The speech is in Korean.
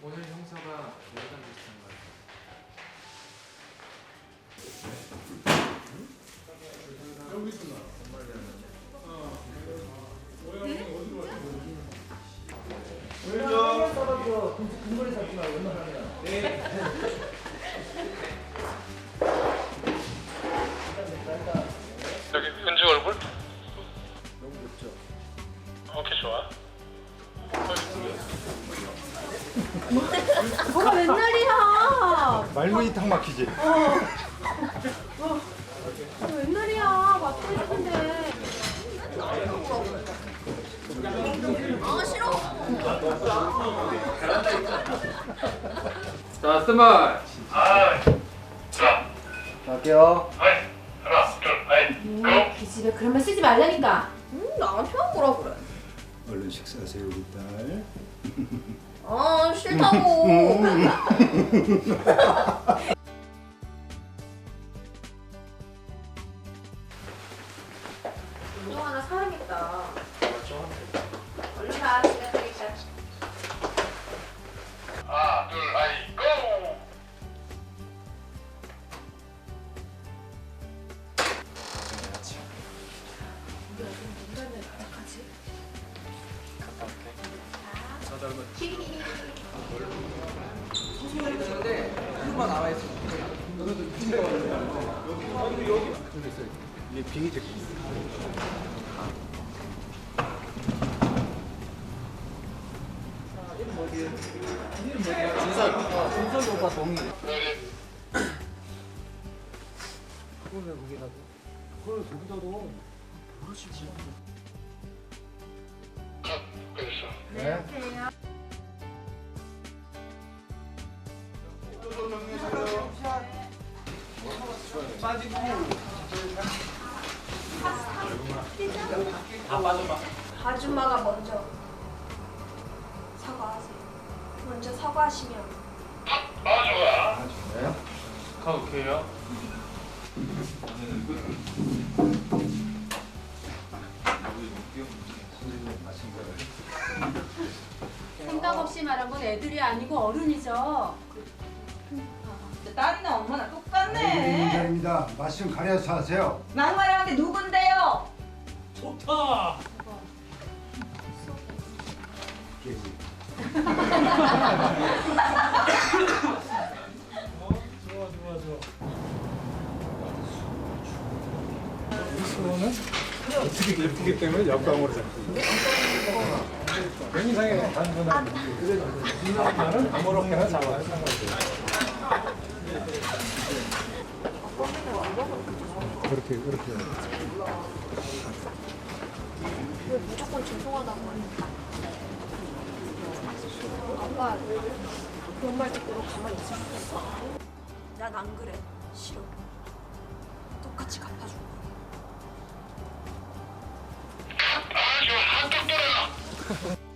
오늘 형사가 예전 비슷한 거 같아. 여기 있구나. 왜죠? 근거리 잡지 말고 웬만하면. 네. 여기 은주 얼굴? 너무 좋죠. 오케이 좋아. 뭐가 맨날이야. 말문이 탁 막히지. 맨날이야. 맞고 있는데. 아 싫어. 자, 스마일. 아, 자, 갈게요. 하나, 둘, 고. 그 집에 그런 말 쓰지 말라니까. 나한테 뭐라 그래. 얼른 식사하세요, 우리 딸. 아 싫다고. 운동 하나 사야겠다. 얼른 가. 시간 되겠다. 하나, 둘, 고. 우리 아들 인간을 어떡하지? 갔다 올게. 이게 빙이 제. 준석이 오빠 동의. 그걸 왜 거기다 둬? 그걸 거기다 둬. 모르지. 그랬어. 네. 아줌마가 먼저 사과하세요. 먼저 사과하시면 아, 좋아. 네. 가 오케이요. 생각 없이 말한 건 애들이 아니고 어른이죠. 딸이나 엄마나 우리 똑같네. 인자입니다. 맛 좀 가려서 하세요. 막말하는데 누군데요? 깨지. 수호는 어떻게 예쁘기 때문에 옆방으로 잡고. 굉장히 단순한. 나는 아무렇게나 잡아야 상관없어요. 그렇게. 왜 무조건 죄송하다고 하니까 아빠 그런 말 듣고 가만히 있을 수 있어? 난 안 그래. 싫어. 똑같이 갚아줄 거야. 아, 좋아. 한턱 때려.